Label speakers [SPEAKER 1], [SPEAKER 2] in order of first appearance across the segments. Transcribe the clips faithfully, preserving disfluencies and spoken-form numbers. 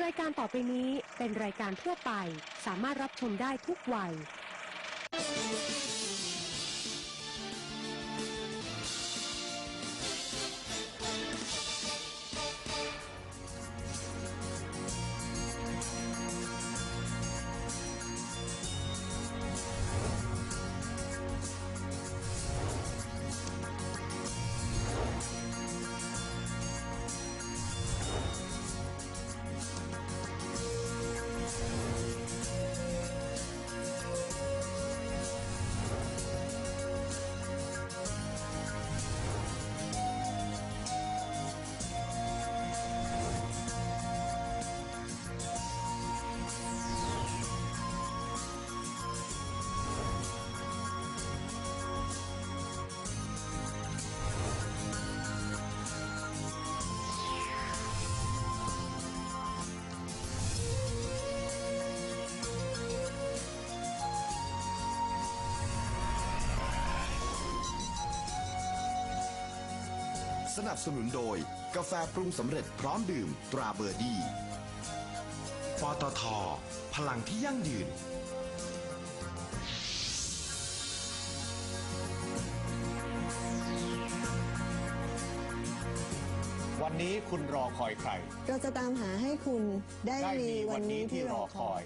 [SPEAKER 1] ายการต่อไปนี้เป็นรายการทั่วไปสามารถรับชมได้ทุกวัย
[SPEAKER 2] สนับสนุนโดยกาแฟปรุงสำเร็จพร้อมดื่มตราเบอร์ดี้ปตท.พลังที่ยั่งยืน
[SPEAKER 3] วันนี้คุณรอคอยใคร
[SPEAKER 4] เราจะตามหาให้คุณได้มีวันนี้ที่รอคอย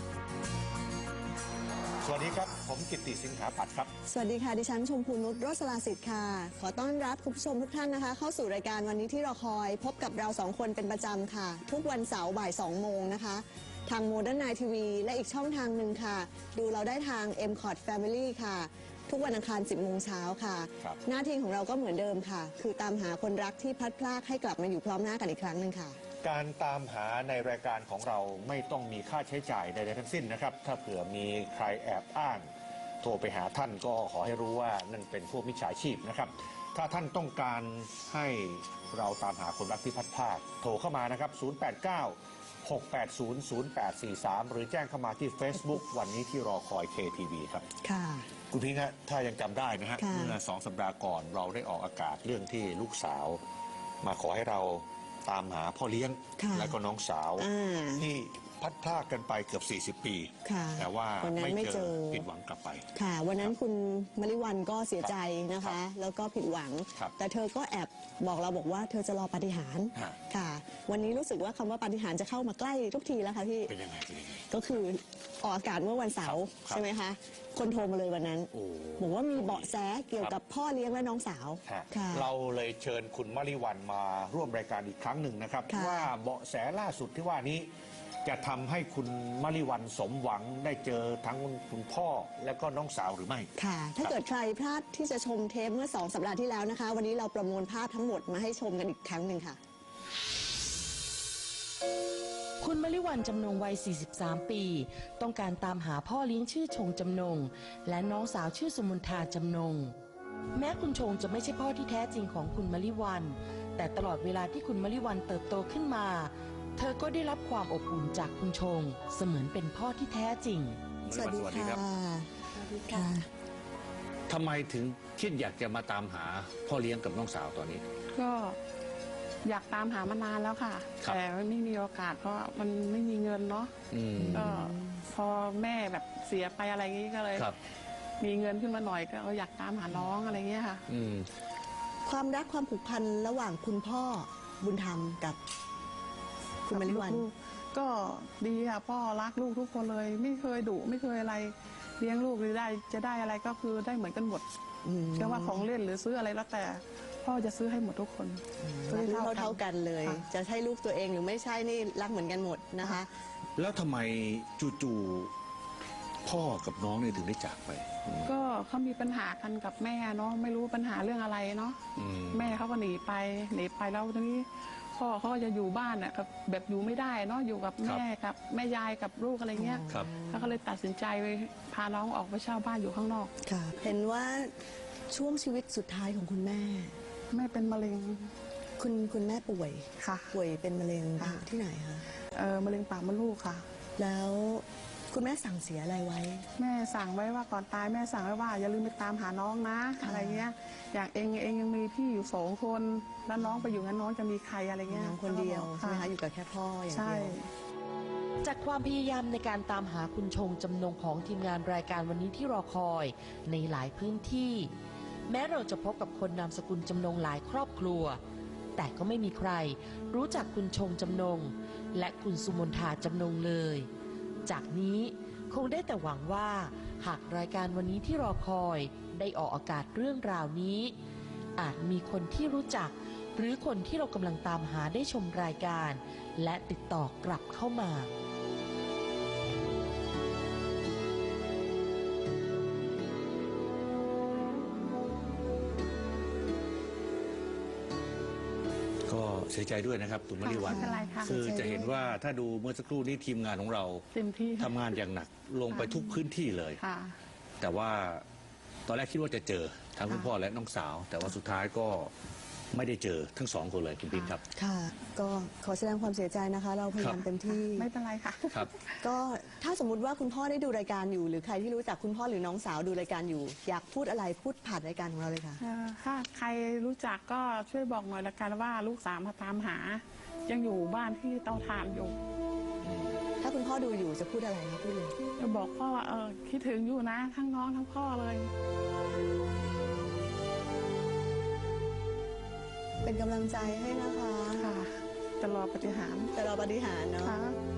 [SPEAKER 3] สวัสดีครับผมกิตติสิงหาปัตย์ครับ
[SPEAKER 4] สวัสดีค่ะดิฉันชมพูนุชโรสลาสิทธิ์ค่ะขอต้อนรับคุณผู้ชมทุกท่านนะคะเข้าสู่รายการวันนี้ที่รอคอยพบกับเราสองคนเป็นประจำค่ะทุกวันเสาร์บ่ายสองโมงนะคะทางโมเดิร์นไนท์ทีวีและอีกช่องทางหนึ่งค่ะดูเราได้ทาง เอ็ม คอร์ด Family ค่ะทุกวันอังคาร สิบโมงเช้าค่ะหน้าที่ของเราก็เหมือนเดิมค่ะคือตามหาคนรักที่พลัดพรากให้กลับมาอยู่พร้อมหน้ากันอีกครั้งหนึ่งค่ะ
[SPEAKER 3] การตามหาในรายการของเราไม่ต้องมีค่าใช้จ่ายใดๆทั้งสิ้นนะครับถ้าเผื่อมีใครแอบอ้างโทรไปหาท่านก็ขอให้รู้ว่านั่นเป็นพวกมิจฉาชีพนะครับถ้าท่านต้องการให้เราตามหาคนรักที่พลัดพรากโทรเข้ามานะครับศูนย์ แปด เก้า หก แปด ศูนย์ ศูนย์ แปด สี่ สามหรือแจ้งเข้ามาที่ Facebook วันนี้ที่รอคอย เค ที วี ครับ
[SPEAKER 4] ค่ะ
[SPEAKER 3] คุณพิงค์ฮะถ้ายังจำได้นะฮะเมื่อสองสัปดาห์ก่อนเราได้ออกอากาศเรื่องที่ลูกสาวมาขอให้เราตามหาพ่อเลี้ยงและก็น้องสาวที่พัดพลากกันไปเกือบสี่สิบปีแต่ว่าไม่เจอผิดหวังกลับไป
[SPEAKER 4] ค่ะวันนั้นคุณมลิวันก็เสียใจนะคะแล้วก็ผิดหวังแต่เธอก็แอบบอกเราบอกว่าเธอจะรอปาฏิหาริย์ค่ะวันนี้รู้สึกว่าคำว่าปาฏิหาริย์จะเข้ามาใกล้ทุกทีแล้วค่ะพี่
[SPEAKER 3] เป็นยังไงเป็นยังไง
[SPEAKER 4] ก็คือออกอากาศเมื่อวันเสาร์ใช่ไหมคะคนโทรมาเลยวันนั้นบอกว่ามีเบาะแสเกี่ยวกับพ่อเลี้ยงและน้องสาว
[SPEAKER 3] เราเลยเชิญคุณมลิวันมาร่วมรายการอีกครั้งหนึ่งนะครับว่าเบาะแสล่าสุดที่ว่านี้จะทำให้คุณมลิวันสมหวังได้เจอทั้งคุณพ่อและก็น้องสาวหรือไม่
[SPEAKER 4] ค่ะถ้าเกิดใครพลาดที่จะชมเทปเมื่อสองสัปดาห์ที่แล้วนะคะวันนี้เราประมวลภาพทั้งหมดมาให้ชมกันอีกครั้งหนึ่งค่ะ
[SPEAKER 5] คุณมลิวันจำนงวัย สี่สิบสาม ปีต้องการตามหาพ่อเลี้ยงชื่อชงจำนงและน้องสาวชื่อสุมนทาจำนงแม้คุณชงจะไม่ใช่พ่อที่แท้จริงของคุณมลิวันแต่ตลอดเวลาที่คุณมลิวันเติบโตขึ้นมาเธอก็ได้รับความอบอุ่นจากคุณชงเสมือนเป็นพ่อที่แท้จริง
[SPEAKER 4] สวัสดีค่ะสวัสดีค่ะ
[SPEAKER 3] ทำไมถึงคิดอยากจะมาตามหาพ่อเลี้ยงกับน้องสาวตอนนี้
[SPEAKER 6] ก็อยากตามหามานานแล้วค่ะแต่ไม่มีโอกาสเพราะมันไม่มีเงินเนาะก็พอแม่แบบเสียไปอะไรอย่างนี้ก็เลยมีเงินขึ้นมาหน่อยก็อยากตามหาน้องอะไรเงี้ยค่ะ
[SPEAKER 4] ความรักความผูกพันระหว่างคุณพ่อบุญธรรมกับคุณมลิวัน
[SPEAKER 6] ก็ดีค่ะพ่อรักลูกทุกคนเลยไม่เคยดุไม่เคยอะไรเลี้ยงลูกหรือได้จะได้อะไรก็คือได้เหมือนกันหมดไม่ว่าของเล่นหรือซื้ออะไรแล้วแต่พ่อจะซื้อให้หมดทุกคน
[SPEAKER 4] รักเท่าเท่ากันเลยจะใช่ลูกตัวเองหรือไม่ใช่นี่รักเหมือนกันหมดนะคะ
[SPEAKER 3] แล้วทำไมจู่ๆพ่อกับน้องเนี่ยถึงได้จากไป
[SPEAKER 6] ก็เขามีปัญหากันกับแม่เนาะไม่รู้ปัญหาเรื่องอะไรเนาะแม่เขาก็หนีไปหนีไปแล้วทีนี้พ่อเขาจะอยู่บ้านอ่ะแบบอยู่ไม่ได้เนาะอยู่กับแม่กับแม่ยายกับลูกอะไรเงี้ยแล้วก็เลยตัดสินใจไปพาน้องออกไปเช่าบ้านอยู่ข้างนอก
[SPEAKER 4] ค่ะเห็นว่าช่วงชีวิตสุดท้ายของคุณแม่
[SPEAKER 6] แม่เป็นมะเร็ง
[SPEAKER 4] คุณคุณแม่ป่วย
[SPEAKER 6] ค่ะ
[SPEAKER 4] ป่วยเป็นมะเร็งที่ไหนคะ
[SPEAKER 6] เออมะเร็งปากมดลูกค่ะ
[SPEAKER 4] แล้วคุณแม่สั่งเสียอะไรไว้
[SPEAKER 6] แม่สั่งไว้ว่าก่อนตายแม่สั่งไว้ว่าอย่าลืมไปตามหาน้องนะอะไรเงี้ยอย่างเองเองยังมีพี่อยู่สองคนแล้วน้องไปอยู่งั้นน้องจะมีใครอะไรเงี้ย
[SPEAKER 4] น้องคนเดียวใช่ไหมคะอยู่กับแค่พ่ออย่างเดียว
[SPEAKER 5] จากความพยายามในการตามหาคุณชงจำนงของทีมงานรายการวันนี้ที่รอคอยในหลายพื้นที่ แม้เราจะพบกับคนนามสกุลจำนงหลายครอบครัว แต่ก็ไม่มีใครรู้จักคุณชงจำนงและคุณสุมนทาจำนงเลย จากนี้คงได้แต่หวังว่าหากรายการวันนี้ที่รอคอยได้ออกอากาศเรื่องราวนี้ อาจมีคนที่รู้จักหรือคนที่เรากำลังตามหาได้ชมรายการ และติดต่อกลับเข้ามา
[SPEAKER 3] ก็เสียใจด้วยนะครับคุณมริวัน
[SPEAKER 6] ไม่เป็นไรค่ะ
[SPEAKER 3] คือจะเห็นว่าถ้าดูเมื่อสักครู่นี้ทีมงานของเรา
[SPEAKER 6] เต็มที่
[SPEAKER 3] ทำงานอย่างหนักลงไปทุกพื้นที่เลย
[SPEAKER 6] ค่ะ
[SPEAKER 3] แต่ว่าตอนแรกคิดว่าจะเจอทั้งคุณพ่อและน้องสาว แต่ว่าสุดท้ายก็ไม่ได้เจอทั้งสองคนเลยคุณปิ๊นครับ
[SPEAKER 4] ค่ะ ก็ขอแสดงความเสียใจนะคะ เราพยายาม
[SPEAKER 3] ครับ
[SPEAKER 4] เต็มที่
[SPEAKER 6] ไม่เป็นไรค่ะ
[SPEAKER 3] ครับ
[SPEAKER 4] ก็ถ้าสมมุติว่าคุณพ่อได้ดูรายการอยู่ หรือใครที่รู้จักคุณพ่อหรือน้องสาวดูรายการอยู่ อยากพูดอะไรพูดผ่านรายการของเราเลยค่ะ
[SPEAKER 6] เอ่อถ้าใครรู้จักก็ช่วยบอกหน่อยละกันว่าลูกสาวมาตามหา ยังอยู่บ้านที่เตาถ่านอยู่
[SPEAKER 4] ถ้าคุณพ่อดูอยู่จะพูดอะไรคะพูดเลย
[SPEAKER 6] จะบอกพ่อว่าเออคิดถึงอยู่นะทั้งน้องทั้งพ่อเลย
[SPEAKER 4] เป็นกำลังใจให้นะคะ
[SPEAKER 6] ค่ะ จะรอปฏิหารย์
[SPEAKER 4] แต่เราปฏิหารย์เนาะ
[SPEAKER 6] ค่ะ